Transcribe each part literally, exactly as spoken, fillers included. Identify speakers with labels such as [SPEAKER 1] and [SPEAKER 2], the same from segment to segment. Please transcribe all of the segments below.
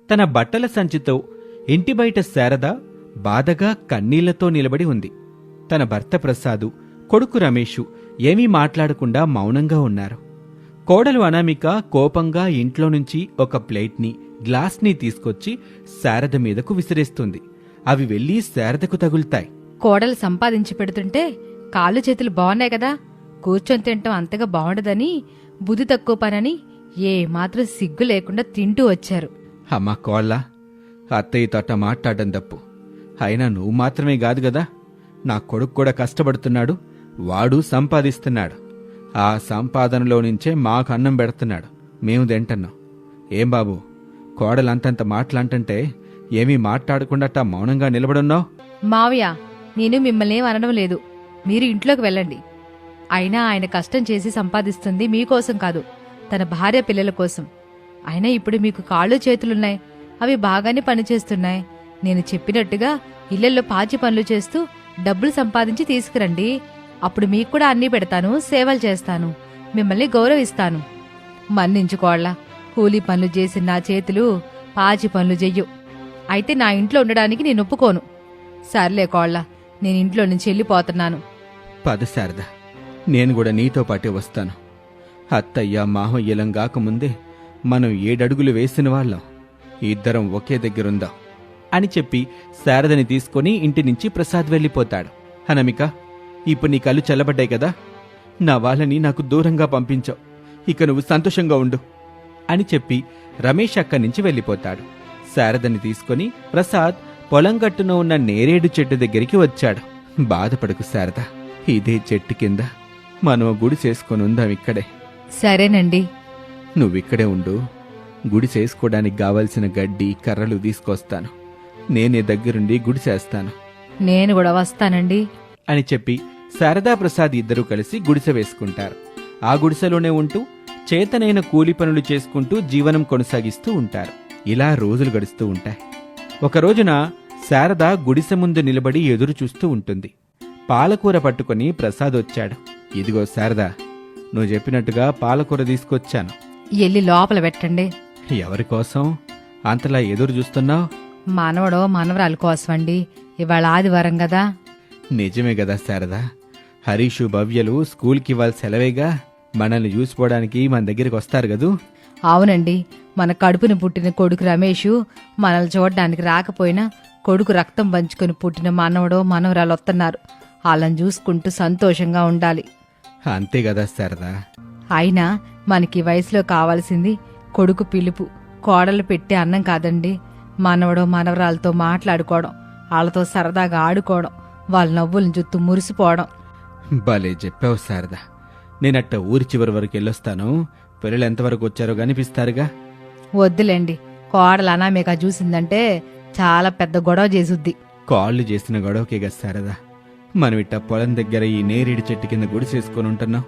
[SPEAKER 1] తన బట్టల సంచితో ఇంటి బయట శారద బాధగా కన్నీళ్లతో నిలబడి ఉంది. తన భర్త ప్రసాదు, కొడుకు రమేషు ఏమీ మాట్లాడకుండా మౌనంగా ఉన్నారు. కోడలు అనామిక కోపంగా ఇంట్లో నుంచి ఒక ప్లేట్ని, గ్లాస్ని తీసుకొచ్చి శారద మీదకు విసిరేస్తుంది. అవి వెళ్లి శారదకు తగులుతాయి.
[SPEAKER 2] కోడలు సంపాదించి పెడుతుంటే కాళ్ళు చేతులు బాగున్నాయి కదా, కూర్చొని తింటాం అంతగా బాగుండదని, బుద్ధి తక్కువ పనని ఏ మాత్రం సిగ్గు లేకుండా తింటూ వచ్చారు.
[SPEAKER 1] అమ్మా కోళ్ళ, అత్తయ్య తోట మాట్లాడడం తప్పు. అయినా నువ్వు మాత్రమే కాదు గదా, నా కొడుకు కూడా కష్టపడుతున్నాడు, వాడు సంపాదిస్తున్నాడు. ఆ సంపాదనలో నుంచే మాకు అన్నం పెడుతున్నాడు, మేము తింటున్నాం. ఏం బాబు, కోడలంతంత మాటలంటే ఏమీ మాట్లాడకుండా మౌనంగా నిలబడున్నావు?
[SPEAKER 2] మావయ్య, నేను మిమ్మల్ని ఏం అనడం లేదు, మీరు ఇంట్లోకి వెళ్ళండి. అయినా ఆయన కష్టం చేసి సంపాదిస్తుంది మీకోసం కాదు, తన భార్య పిల్లల కోసం. అయినా ఇప్పుడు మీకు కాళ్ళు చేతులున్నాయి, అవి బాగానే పనిచేస్తున్నాయి. నేను చెప్పినట్టుగా ఇళ్లలో పాచి పనులు చేస్తూ డబ్బులు సంపాదించి తీసుకురండి. అప్పుడు మీకు కూడా అన్నీ పెడతాను, సేవలు చేస్తాను, మిమ్మల్ని గౌరవిస్తాను. మన్నించుకోళ్లా, కూలీ పనులు చేసిన నా చేతులు పాచి పనులు చెయ్యు. అయితే నా ఇంట్లో ఉండడానికి నేను ఒప్పుకోను. సర్లే కోళ్లా, నేను ఇంట్లో నుంచి వెళ్ళిపోతున్నాను.
[SPEAKER 1] పద శారద, నేను కూడా నీతో పాటే వస్తాను. అత్తయ్య మాహయ్యలం గాకముందే మనం ఏడడుగులు వేసిన వాళ్ళం, ఇద్దరం ఒకే దగ్గరుందాం అని చెప్పి శారదని తీసుకుని ఇంటి నుంచి ప్రసాద్ వెళ్ళిపోతాడు. అనామిక, ఇప్పుడు నీ కళ్ళు చల్లబడ్డాయి కదా, నా వాళ్ళని నాకు దూరంగా పంపించావు, ఇక నువ్వు సంతోషంగా ఉండు అని చెప్పి రమేష్ అక్కడి నుంచి వెళ్ళిపోతాడు. శారదని తీసుకుని ప్రసాద్ పొలం గట్టున ఉన్న నేరేడు చెట్టు దగ్గరికి వచ్చాడు. బాధపడకు శారద, ఇదే చెట్టు కింద మనం గుడి చేసుకొని ఉందాం ఇక్కడే.
[SPEAKER 2] సరేనండి.
[SPEAKER 1] నువ్విక్కడే ఉండు, గుడి చేసుకోవడానికి కావలసిన గడ్డి కర్రలు తీసుకొస్తాను, నేనే దగ్గరుండి గుడి చేస్తాను.
[SPEAKER 2] నేను కూడా వస్తానండి
[SPEAKER 1] అని చెప్పి శారదా ప్రసాద్ ఇద్దరూ కలిసి గుడిసె వేసుకుంటారు. ఆ గుడిసెలోనే ఉంటూ చేతనైన కూలి పనులు చేసుకుంటూ జీవనం కొనసాగిస్తూ ఉంటారు. ఇలా రోజులు గడుస్తూ ఉంటాయి. ఒక రోజున శారద గుడిసె ముందు నిలబడి ఎదురు చూస్తూ ఉంటుంది. పాలకూర పట్టుకుని ప్రసాద్ వచ్చాడు. ఇదిగో శారదా, నువ్వు చెప్పినట్టుగా పాలకూర తీసుకొచ్చాను.
[SPEAKER 2] ఎల్లి లోపల పెట్టండి.
[SPEAKER 1] ఎవరికోసం అంతలా ఎదురు చూస్తున్నావు?
[SPEAKER 2] మనవడో మనవరాలు కోసమండి, ఇవాళ ఆదివారం కదా.
[SPEAKER 1] నిజమే కదా శారదా, హరీషు భవ్యలు స్కూల్కి ఇవాళ సెలవేగా, మనల్ని చూసిపోవడానికి మన దగ్గరికి వస్తారు కదూ.
[SPEAKER 2] అవునండి, మన కడుపున పుట్టిన కొడుకు రమేషు మనల్ని చూడడానికి రాకపోయినా కొడుకు రక్తం పంచుకొని పుట్టిన మనవడో మనవరాలు వస్తున్నారు. వాళ్ళని చూసుకుంటూ సంతోషంగా ఉండాలి.
[SPEAKER 1] అంతే కదా శారదా.
[SPEAKER 2] అయినా మనకి వయసులో కావాల్సింది కొడుకు పిలుపు, కోడలు పెట్టే అన్నం కాదండి. మనవడో మనవరాలతో మాట్లాడుకోవడం, వాళ్ళతో సరదాగా ఆడుకోవడం, వాళ్ళ నవ్వులను చుట్టూ మురిసిపోవడం.
[SPEAKER 1] భలే చెప్పావు శారదా. నేనట్ట ఊరి చివరి వరకు వెళ్ళొస్తాను, పిల్లలు ఎంతవరకు వచ్చారో కనిపిస్తారుగా.
[SPEAKER 2] వద్దులేండి, కోడలు అనామేక చూసిందంటే చాలా పెద్ద గొడవ చేసుద్ది.
[SPEAKER 1] కాళ్ళు చేసిన గొడవకేగా శారదా మనం ఇట్ట పొలం దగ్గర ఈ నేరేడు చెట్టు కింద గుడి చేసుకుని ఉంటున్నాం.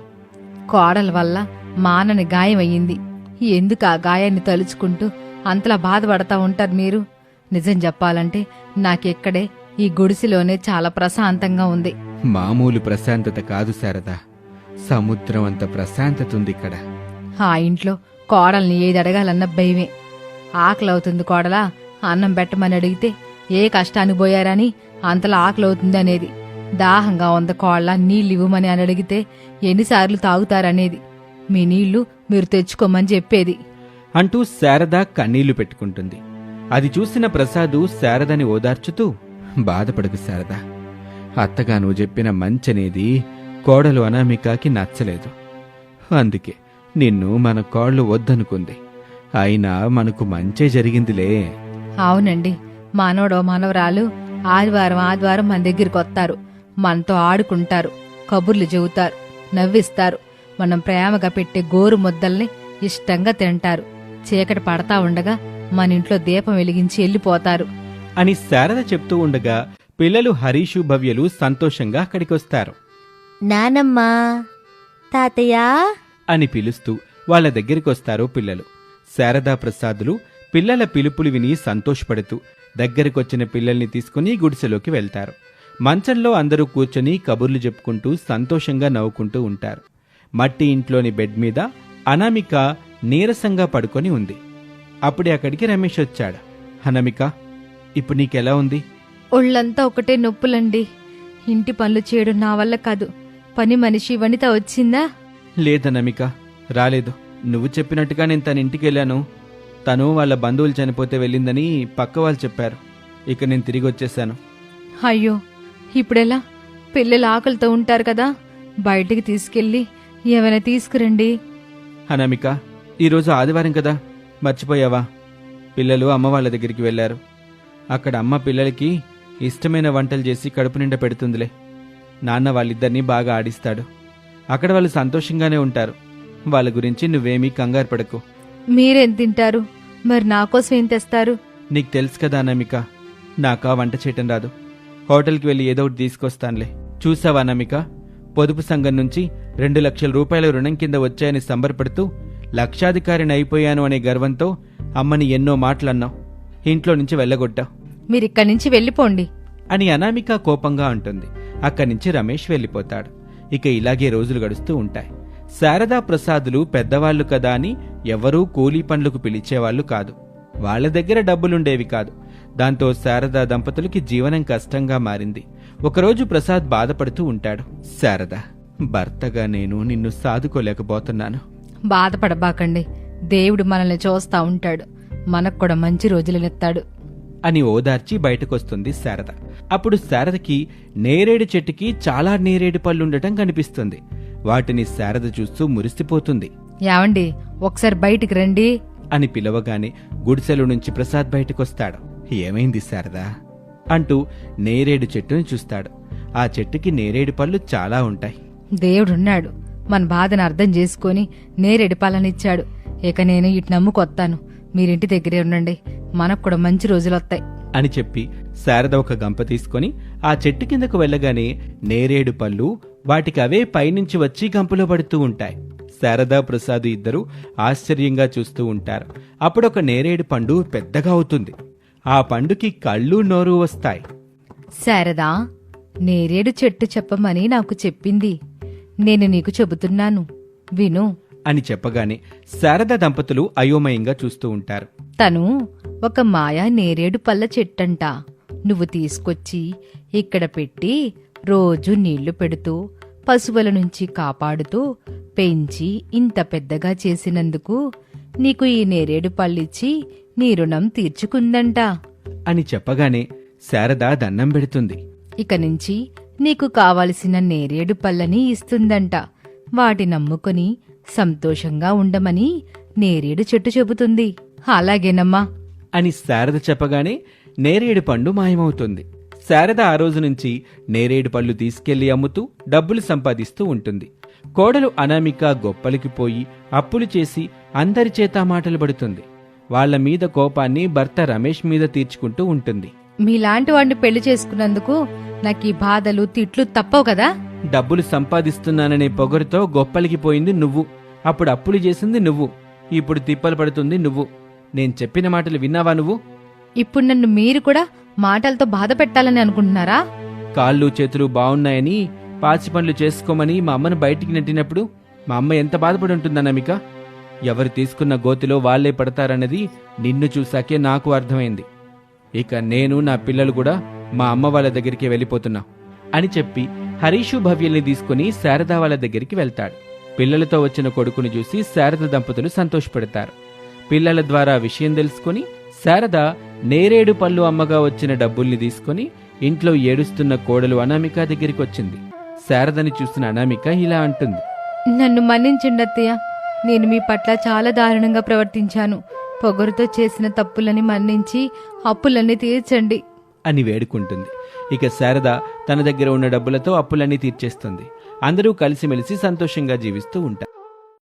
[SPEAKER 2] కోడల వల్ల మానని గాయం అయ్యింది. ఎందుకు ఆ గాయాన్ని తలుచుకుంటూ అంతలా బాధపడతా ఉంటారు మీరు? నిజం చెప్పాలంటే నాకెక్కడే ఈ గుడిసెలోనే చాలా ప్రశాంతంగా ఉంది.
[SPEAKER 1] మామూలు ప్రశాంతత కాదు శారదా, సముద్రం అంత ప్రశాంతత ఉంది ఇక్కడ.
[SPEAKER 2] ఆ ఇంట్లో కోడల్ని ఏది అడగాలన్న భయమే. ఆకలవుతుంది కోడలా, అన్నం పెట్టమని అడిగితే ఏ కష్టాన్ని పోయారని అంతలా ఆకలవుతుంది అనేది. దాహంగా ఉంది కోళ్ళ, నీళ్ళు ఇవ్వమని అని అడిగితే ఎన్నిసార్లు తాగుతారనేది. మీ నీళ్లు మీరు తెచ్చుకోమని చెప్పేది
[SPEAKER 1] అంటూ శారద కన్నీళ్లు పెట్టుకుంటుంది. అది చూసిన ప్రసాదు శారదని ఓదార్చుతూ, బాధపడకు శారదా, అత్తగా నువ్వు చెప్పిన మంచనేది కోడలు అనామికకి నచ్చలేదు, అందుకే నిన్ను మన కోళ్ళు వద్దనుకుంది. అయినా మనకు మంచే జరిగిందిలే.
[SPEAKER 2] అవునండి, మనవడో మనవరాలు ఆదివారం ఆదివారం మన దగ్గరికి వస్తారు, మనతో ఆడుకుంటారు, కబుర్లు చెబుతారు, నవ్విస్తారు. మనం ప్రేమగా పెట్టే గోరు ముద్దల్ని ఇష్టంగా తింటారు. చీకటి పడతా ఉండగా మన ఇంట్లో దీపం వెలిగించి వెళ్ళిపోతారు
[SPEAKER 1] అని శారద చెప్తూ ఉండగా పిల్లలు హరీషు భవ్యలు సంతోషంగా అక్కడికొస్తారు.
[SPEAKER 3] నానమ్మా, తాతయ్య
[SPEAKER 1] అని పిలుస్తూ వాళ్ల దగ్గరికొస్తారు పిల్లలు. శారదా ప్రసాదులు పిల్లల పిలుపులు విని సంతోషపడుతూ దగ్గరికొచ్చిన పిల్లల్ని తీసుకుని గుడిసెలోకి వెళ్తారు. మంచంలో అందరూ కూర్చొని కబుర్లు చెప్పుకుంటూ సంతోషంగా నవ్వుకుంటూ ఉంటారు. మట్టి ఇంట్లోని బెడ్ మీద అనామిక నీరసంగా పడుకొని ఉంది. అప్పుడే అక్కడికి రమేష్ వచ్చాడు. అనామిక, ఇప్పుడు నీకెలా ఉంది?
[SPEAKER 2] ఒళ్ళంతా ఒకటే నొప్పులండి. ఇంటి పనులు చేయడం నా వల్ల కాదు. పని మనిషి వనిత వచ్చిందా?
[SPEAKER 1] లేదనామిక, రాలేదు. నువ్వు చెప్పినట్టుగా నేను తన ఇంటికి వెళ్ళాను. తను వాళ్ళ బంధువులు చనిపోతే వెళ్ళిందని పక్క వాళ్ళు చెప్పారు. ఇక నేను తిరిగి వచ్చేసాను.
[SPEAKER 2] అయ్యో, ఇప్పుడెలా? పిల్లలు ఆకలితో ఉంటారు కదా, బయటికి తీసుకెళ్ళి ఏమైనా తీసుకురండి.
[SPEAKER 1] అనామిక, ఈరోజు ఆదివారం కదా, మర్చిపోయావా? పిల్లలు అమ్మ వాళ్ళ దగ్గరికి వెళ్ళారు. అక్కడ అమ్మ పిల్లలకి ఇష్టమైన వంటలు చేసి కడుపు నిండా పెడుతుందిలే. నాన్న వాళ్ళిద్దరినీ బాగా ఆడిస్తాడు. అక్కడ వాళ్ళు సంతోషంగానే ఉంటారు. వాళ్ళ గురించి నువ్వేమీ కంగారు పడకు.
[SPEAKER 2] మీరేం తింటారు? మరి నా కోసం ఏం తెస్తారు?
[SPEAKER 1] నీకు తెలుసు కదా అనామిక, నాకా వంట చేయటం రాదు. హోటల్కి వెళ్ళి ఏదో ఒకటి తీసుకొస్తానులే. చూసావా అనామిక, పొదుపు సంఘం నుంచి రెండు లక్షల రూపాయల రుణం కింద వచ్చాయని సంబరపడుతూ లక్షాధికారిని అయిపోయాను అనే గర్వంతో అమ్మని ఎన్నో మాటలన్నావు. ఇంట్లో నుంచి వెళ్ళగొట్టావు
[SPEAKER 2] మీరిక్కడి నుంచి వెళ్ళిపోండి
[SPEAKER 1] అని అనామిక కోపంగా అంటుంది. అక్కడి నుంచి రమేష్ వెళ్ళిపోతాడు. ఇక ఇలాగే రోజులు గడుస్తూ ఉంటాయి. శారదా ప్రసాదులు పెద్దవాళ్లు కదా అని ఎవరూ కూలీ పనులకు పిలిచేవాళ్లు కాదు. వాళ్ల దగ్గర డబ్బులుండేవి కాదు. దాంతో శారదా దంపతులకి జీవనం కష్టంగా మారింది. ఒకరోజు ప్రసాద్ బాధపడుతూ ఉంటాడు. శారదా, భర్తగా నేను నిన్ను సాదుకోలేకపోతున్నాను.
[SPEAKER 2] బాధపడబాకండి, దేవుడు మనల్ని చూస్తా ఉంటాడు. మనకు కూడా మంచి రోజులనెత్తాడు
[SPEAKER 1] అని ఓదార్చి బయటకొస్తుంది శారద. అప్పుడు శారదకి నేరేడు చెట్టుకి చాలా నేరేడు పళ్ళుండటం కనిపిస్తుంది. వాటిని శారద చూస్తూ మురిసిపోతుంది.
[SPEAKER 2] ఏవండి, ఒకసారి బయటికి రండి
[SPEAKER 1] అని పిలవగానే గుడిసెల నుంచి ప్రసాద్ బయటకొస్తాడు. ఏమైంది శారదా అంటూ నేరేడు చెట్టుని చూస్తాడు. ఆ చెట్టుకి నేరేడు పళ్ళు చాలా ఉంటాయి.
[SPEAKER 2] దేవుడున్నాడు, మన బాధను అర్థం చేసుకుని నేరేడు పాలనిచ్చాడు. ఇక నేను ఇటు నమ్ముకొత్తాను. మీరింటి దగ్గరే ఉండండి, మనకు కూడా మంచి రోజులొత్తాయి
[SPEAKER 1] అని చెప్పి శారద ఒక గంప తీసుకొని ఆ చెట్టు కిందకు వెళ్ళగానే నేరేడు పళ్ళు వాటికి అవే పైనుంచి వచ్చి గంపలో పడుతూ ఉంటాయి. శారదా ప్రసాద్ ఇద్దరు ఆశ్చర్యంగా చూస్తూ ఉంటారు. అప్పుడొక నేరేడు పండు పెద్దగా అవుతుంది. ఆ పండుకి కళ్ళు నోరు వస్తాయి.
[SPEAKER 2] శారదా, నేరేడు చెట్టు చెప్పమని నాకు చెప్పింది. నేను నీకు చెబుతున్నాను, విను
[SPEAKER 1] అని చెప్పగానే శారదా దంపతులు అయోమయంగా చూస్తూ ఉంటారు.
[SPEAKER 2] తను ఒక మాయా నేరేడు పళ్ళ చెట్టంట. నువ్వు తీసుకొచ్చి ఇక్కడ పెట్టి రోజు నీళ్లు పెడుతూ పశువుల నుంచి కాపాడుతూ పెంచి ఇంత పెద్దగా చేసినందుకు నీకు ఈ నేరేడు పళ్ళిచ్చి నీ రుణం తీర్చుకుందంట
[SPEAKER 1] అని చెప్పగానే శారద దన్నం పెడుతుంది.
[SPEAKER 2] ఇక నుంచి నీకు కావలసిన నేరేడు పళ్ళని ఇస్తుందంట. వాటి నమ్ముకొని సంతోషంగా ఉండమని నేరేడు చెట్టు చెబుతుంది. అలాగేనమ్మా
[SPEAKER 1] అని శారద చెప్పగానే నేరేడు పండు మాయమవుతుంది. శారద ఆ రోజు నుంచి నేరేడు పళ్ళు తీసుకెళ్లి అమ్ముతూ డబ్బులు సంపాదిస్తూ ఉంటుంది. కోడలు అనామిక గొప్పలికి పోయి అప్పులు చేసి అందరి చేత మాటలు పడుతుంది. వాళ్ల మీద కోపాన్ని భర్త రమేష్ మీద తీర్చుకుంటూ ఉంటుంది.
[SPEAKER 2] మీలాంటి వాడిని పెళ్లి చేసుకున్నందుకు నాకు ఈ బాధలు తిట్లు తప్పవు కదా.
[SPEAKER 1] డబ్బులు సంపాదిస్తున్నాననే పొగరుతో గొప్పలికి పోయింది నువ్వు. అప్పుడు అప్పులు చేసింది నువ్వు. ఇప్పుడు తిప్పలు పడుతుంది నువ్వు. నేను చెప్పిన మాటలు విన్నావా నువ్వు?
[SPEAKER 2] ఇప్పుడు నన్ను మీరు కూడా మాటలతో బాధ పెట్టాలని అనుకుంటున్నారా?
[SPEAKER 1] కాళ్ళు చేతులు బాగున్నాయని పాచి పనులు చేసుకోమని మా అమ్మను బయటికి నెట్టినప్పుడు మా అమ్మ ఎంత బాధపడి ఉంటుందన్నమిక. ఎవరు తీసుకున్న గోతిలో వాళ్లే పడతారన్నది నిన్ను చూశాకే నాకు అర్థమైంది. ఇక నేను నా పిల్లలు కూడా మా అమ్మ వాళ్ళ దగ్గరికి వెళ్ళిపోతున్నా అని చెప్పి హరీషు భవ్యల్ని తీసుకుని శారద వాళ్ళ దగ్గరికి వెళ్తాడు. పిల్లలతో వచ్చిన కొడుకుని చూసి శారద దంపతులు సంతోషపడతారు. పిల్లల ద్వారా విషయం తెలుసుకుని శారద నేరేడు పళ్ళు అమ్మగా వచ్చిన డబ్బుల్ని తీసుకుని ఇంట్లో ఏడుస్తున్న కోడలు అనామిక దగ్గరికి వచ్చింది. శారదని చూసిన అనామిక ఇలా అంటుంది.
[SPEAKER 2] నన్ను మన్నించండి అత్తయ్య, నేను మీ పట్ల చాలా దారుణంగా ప్రవర్తించాను. పొగరుతో చేసిన తప్పులని మన్నించి అప్పులన్నీ తీర్చండి
[SPEAKER 1] అని వేడుకుంటుంది. ఇక శారద తన దగ్గర ఉన్న డబ్బులతో అప్పులన్నీ తీర్చేస్తుంది. అందరూ కలిసిమెలిసి సంతోషంగా జీవిస్తూ ఉంటారు.